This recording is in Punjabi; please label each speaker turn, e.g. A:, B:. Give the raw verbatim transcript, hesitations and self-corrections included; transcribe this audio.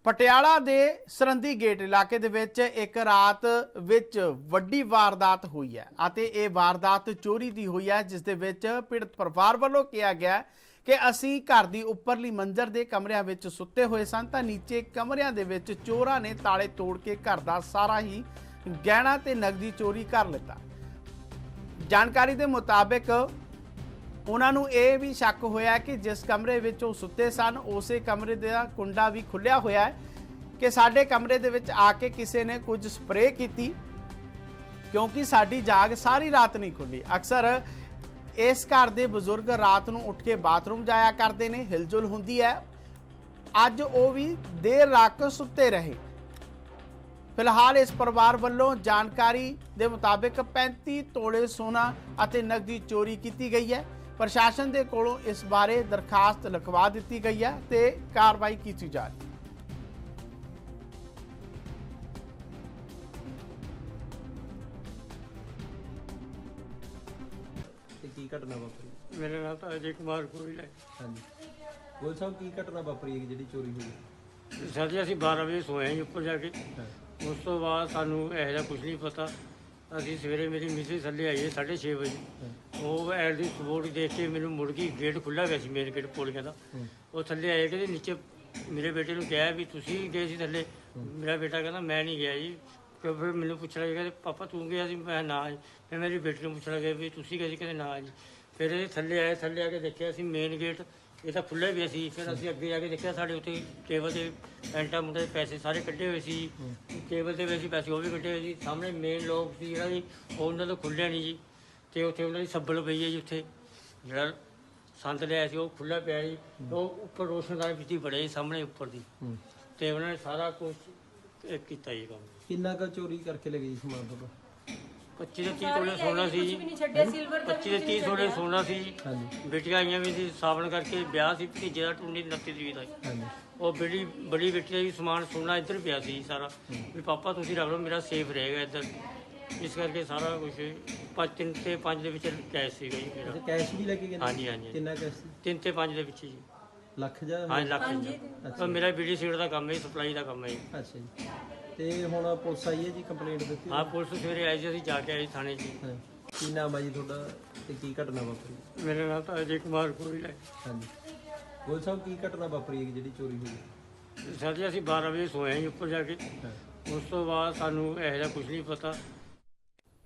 A: ਪਟਿਆਲਾ ਦੇ ਸਰੰਦੀ ਗੇਟ ਇਲਾਕੇ ਦੇ ਵਿੱਚ ਇੱਕ ਰਾਤ ਵਿੱਚ ਵੱਡੀ ਵਾਰਦਾਤ ਹੋਈ ਹੈ ਅਤੇ ਇਹ ਵਾਰਦਾਤ ਚੋਰੀ ਦੀ ਹੋਈ ਹੈ, ਜਿਸ ਦੇ ਵਿੱਚ ਪੀੜਤ ਪਰਿਵਾਰ ਵੱਲੋਂ ਕਿਹਾ ਗਿਆ ਕਿ ਅਸੀਂ ਘਰ ਦੀ ਉੱਪਰਲੀ ਮੰਜ਼ਰ ਦੇ ਕਮਰਿਆਂ ਵਿੱਚ ਸੁੱਤੇ ਹੋਏ ਸਨ ਤਾਂ ਨੀਚੇ ਕਮਰਿਆਂ ਦੇ ਵਿੱਚ ਚੋਰਾਂ ਨੇ ਤਾਲੇ ਤੋੜ ਕੇ ਘਰ ਦਾ ਸਾਰਾ ਹੀ ਗਹਿਣਾ ਤੇ ਨਕਦੀ ਚੋਰੀ ਕਰ ਲਿੱਤਾ। ਜਾਣਕਾਰੀ ਦੇ ਮੁਤਾਬਿਕ ਉਹਨਾਂ ਨੂੰ ਇਹ ਵੀ ਸ਼ੱਕ ਹੋਇਆ ਕਿ ਜਿਸ ਕਮਰੇ ਵਿੱਚ ਉਹ ਸੁੱਤੇ ਸਨ ਉਸੇ ਕਮਰੇ ਦਾ ਕੁੰਡਾ ਵੀ ਖੁੱਲਿਆ ਹੋਇਆ ਹੈ ਕਿ ਸਾਡੇ ਕਮਰੇ ਦੇ ਵਿੱਚ ਆ ਕੇ ਕਿਸੇ ਨੇ ਕੁਝ ਸਪਰੇਅ ਕੀਤੀ, ਕਿਉਂਕਿ ਸਾਡੀ ਜਾਗ ਸਾਰੀ ਰਾਤ ਨਹੀਂ ਖੁੱਲੀ। ਅਕਸਰ ਇਸ ਘਰ ਦੇ ਬਜ਼ੁਰਗ ਰਾਤ ਨੂੰ ਉੱਠ ਕੇ ਬਾਥਰੂਮ ਜਾਇਆ ਕਰਦੇ ਨੇ, ਹਿਲਜੁਲ ਹੁੰਦੀ ਹੈ। ਅੱਜ ਉਹ ਵੀ ਦੇਰ ਰਾਤ ਸੁੱਤੇ ਰਹੇ। ਫਿਲਹਾਲ ਇਸ ਪਰਿਵਾਰ ਵੱਲੋਂ ਜਾਣਕਾਰੀ ਦੇ ਮੁਤਾਬਿਕ ਪੈਂਤੀ ਤੋਲੇ ਸੋਨਾ ਅਤੇ ਨਕਦੀ ਚੋਰੀ ਕੀਤੀ ਗਈ ਹੈ। ਪ੍ਰਸ਼ਾਸਨ ਦੇ ਕੋਲੋਂ ਇਸ ਬਾਰੇ ਦਰਖਾਸਤ ਲਿਖਵਾ ਦਿੱਤੀ ਗਈ ਹੈ ਤੇ ਕਾਰਵਾਈ ਕੀਤੀ ਜਾ ਰਹੀ ਹੈ।
B: ਕੀ ਘਟਨਾ ਵਾਪਰੀ?
C: मेरा नाम तो अजय कुमार गोयल है।
B: ਹਾਂਜੀ ਗੋਲ ਸਾਹਿਬ, ਕੀ ਘਟਨਾ ਵਾਪਰੀ ਹੈ ਜਿਹੜੀ ਚੋਰੀ ਹੋਈ?
C: सर जी ਅਸੀਂ ਬਾਰਾਂ ਵਜੇ ਸੋਏ ਹਾਂ ਜੀ ਉੱਪਰ ਜਾ ਕੇ।
B: ਹਾਂ
C: ਉਸ ਤੋਂ ਬਾਅਦ ਸਾਨੂੰ ਇਹੋ ਜਿਹਾ ਕੁਝ ਨਹੀਂ ਪਤਾ। ਅਸੀਂ ਸਵੇਰੇ ਮੇਰੀ ਮਿਸਿਸ ਥੱਲੇ ਆਈ ਹੈ ਸਾਢੇ ਛੇ ਵਜੇ।
B: ਹਾਂ
C: ਉਹ ਐਡ ਦੀ ਸਪੋਰਟ ਦੇਖ ਕੇ ਮੈਨੂੰ ਮੁੜ ਗਈ, ਗੇਟ ਖੁੱਲ੍ਹਾ ਗਿਆ ਸੀ ਮੇਨ ਗੇਟ ਪੌੜੀਆਂ ਦਾ।
B: ਹਾਂ
C: ਉਹ ਥੱਲੇ ਆਏ ਕਿ ਨੀਚੇ ਮੇਰੇ ਬੇਟੇ ਨੂੰ ਕਿਹਾ ਵੀ ਤੁਸੀਂ ਗਏ ਸੀ ਥੱਲੇ। ਮੇਰਾ ਬੇਟਾ ਕਹਿੰਦਾ ਮੈਂ ਨਹੀਂ ਗਿਆ ਜੀ। ਫਿਰ ਫਿਰ ਮੈਨੂੰ ਪੁੱਛਣ ਲੱਗਾ ਕਿ ਪਾਪਾ ਤੂੰ ਗਿਆ ਸੀ? ਮੈਂ ਨਾ ਜੀ। ਫਿਰ ਮੇਰੀ ਬੇਟੀ ਨੂੰ ਪੁੱਛਣ ਲੱਗਾ ਵੀ ਤੁਸੀਂ ਗਏ ਸੀ? ਕਹਿੰਦੇ ਨਾ ਜੀ। ਫਿਰ ਇਹ ਥੱਲੇ ਆਏ, ਥੱਲੇ ਆ ਕੇ ਦੇਖਿਆ ਅਸੀਂ ਮੇਨ ਗੇਟ ਇਹ ਤਾਂ ਖੁੱਲ੍ਹਾ ਵੀ ਸੀ। ਫਿਰ ਅਸੀਂ ਅੱਗੇ ਜਾ ਕੇ ਦੇਖਿਆ ਸਾਡੇ ਉੱਤੇ ਟੇਬਲ 'ਤੇ ਪੈਂਟਾ ਮੁੰਡੇ ਪੈਸੇ ਸਾਰੇ ਕੱਢੇ ਹੋਏ ਸੀ। ਟੇਬਲ 'ਤੇ ਵੀ ਅਸੀਂ ਪੈਸੇ ਉਹ ਵੀ ਕੱਢੇ ਹੋਏ ਸੀ। ਸਾਹਮਣੇ ਮੇਨ ਲੋਕ ਸੀ ਜਿਹੜਾ ਜੀ ਉਹ ਉਹਨਾਂ ਤੋਂ ਖੁੱਲ੍ਹਿਆ ਨਹੀਂ ਜੀ। ਅਤੇ ਉੱਥੇ ਉਹਨਾਂ ਦੀ ਸੱਬਲ ਪਈ ਹੈ ਜੀ। ਉੱਥੇ ਜਿਹੜਾ ਸੰਦ ਲਿਆ ਸੀ ਉਹ ਖੁੱਲ੍ਹਾ ਪਿਆ ਜੀ। ਉਹ ਉੱਪਰ ਰੋਸ਼ਨਦਾਨ ਵਿੱਚ ਹੀ ਬੜੇ ਸਾਹਮਣੇ ਉੱਪਰ ਦੀ।
B: ਹੂੰ
C: ਅਤੇ ਉਹਨਾਂ ਨੇ ਸਾਰਾ ਕੁਛ ਇਹ ਕੀਤਾ ਜੀ ਕੰਮ।
B: ਕਿੰਨਾ ਕੁ ਚੋਰੀ ਕਰਕੇ ਲੈ ਗਈ ਸਮਾਨ ਤੁਹਾਡਾ?
C: ਪੱਚੀ ਤੋਂ ਤੀਹ ਤੋਲੇ ਸੋਨਾ ਸੀ ਜੀ। ਪੱਚੀ ਤੋਂ ਤੀਹ ਤੋਲੇ ਸੋਨਾ ਸੀ ਜੀ।
B: ਹਾਂਜੀ
C: ਬੇਟੀਆਂ ਆਈਆਂ ਵੀ ਸੀ ਸਾਵਣ ਕਰਕੇ, ਵਿਆਹ ਸੀ ਭਤੀਜੇ ਦਾ ਟੁੰਡੀ ਉਨੱਤੀ ਤਰੀਕ ਦਾ।
B: ਹਾਂਜੀ
C: ਉਹ ਬੜੀ ਬੜੀ ਬੇਟੀ ਦਾ ਵੀ ਸਮਾਨ ਸੋਨਾ ਇੱਧਰ ਪਿਆ ਸੀ ਸਾਰਾ, ਵੀ ਪਾਪਾ ਤੁਸੀਂ ਰੱਖ ਲਓ ਮੇਰਾ ਸੇਫ ਰਹੇਗਾ ਇੱਧਰ। ਇਸ ਕਰਕੇ ਸਾਰਾ ਕੁਝ ਪੰਜ ਤਿੰਨ ਤੇ ਪੰਜ ਦੇ ਵਿੱਚ ਕੈਸ਼ ਸੀਗਾ ਜੀ ਮੇਰਾ।
B: ਅੱਛਾ, ਕੈਸ਼ ਵੀ ਲੈ ਕੇ ਗਏ ਨੇ?
C: ਹਾਂਜੀ ਹਾਂਜੀ
B: ਕਿੰਨਾ ਕੈਸ਼ ਸੀ?
C: ਤਿੰਨ ਤੇ ਪੰਜ ਦੇ ਵਿੱਚ ਜੀ।
B: ਲੱਖ ਜਾਂ?
C: ਹਾਂਜੀ ਲੱਖ ਜੀ।
B: ਅੱਛਾ।
C: ਮੇਰਾ ਬੀਡੀ ਸੀਟ ਦਾ ਕੰਮ ਹੈ, ਸਪਲਾਈ ਦਾ ਕੰਮ ਹੈ ਜੀ।
B: ਅੱਛਾ ਜੀ। ਤੇ ਹੁਣ ਪੁਲਿਸ ਆਈ ਹੈ ਜੀ, ਕੰਪਲੇਂਟ ਦਿੱਤੀ?
C: ਹਾਂ ਪੁਲਿਸ ਸਵੇਰੇ ਆਈ ਸੀ, ਅਸੀਂ ਜਾ ਕੇ ਆਏ ਥਾਣੇ 'ਚ।
B: ਹਾਂ। ਕੀ ਨਾਮ ਹੈ ਜੀ ਤੁਹਾਡਾ ਤੇ ਕੀ ਘਟਨਾ ਵਾਪਰੀ?
C: ਮੇਰਾ ਨਾਮ ਤਾਂ ਅਜੇ ਕੁਮਾਰ ਗੋਇਲ ਹੈ।
B: ਹਾਂਜੀ ਗੋਲ ਸਾਹਿਬ, ਕੀ ਘਟਨਾ ਵਾਪਰੀ ਹੈ ਜਿਹੜੀ ਚੋਰੀ ਹੋਈ?
C: ਸਰ ਜੀ ਅਸੀਂ ਬਾਰਾਂ ਵਜੇ ਸੋਏ ਹਾਂ ਜੀ ਉੱਪਰ ਜਾ ਕੇ।
B: ਹਾਂ
C: ਉਸ ਤੋਂ ਬਾਅਦ ਸਾਨੂੰ ਇਹੋ ਜਿਹਾ ਕੁਝ ਨਹੀਂ ਪਤਾ।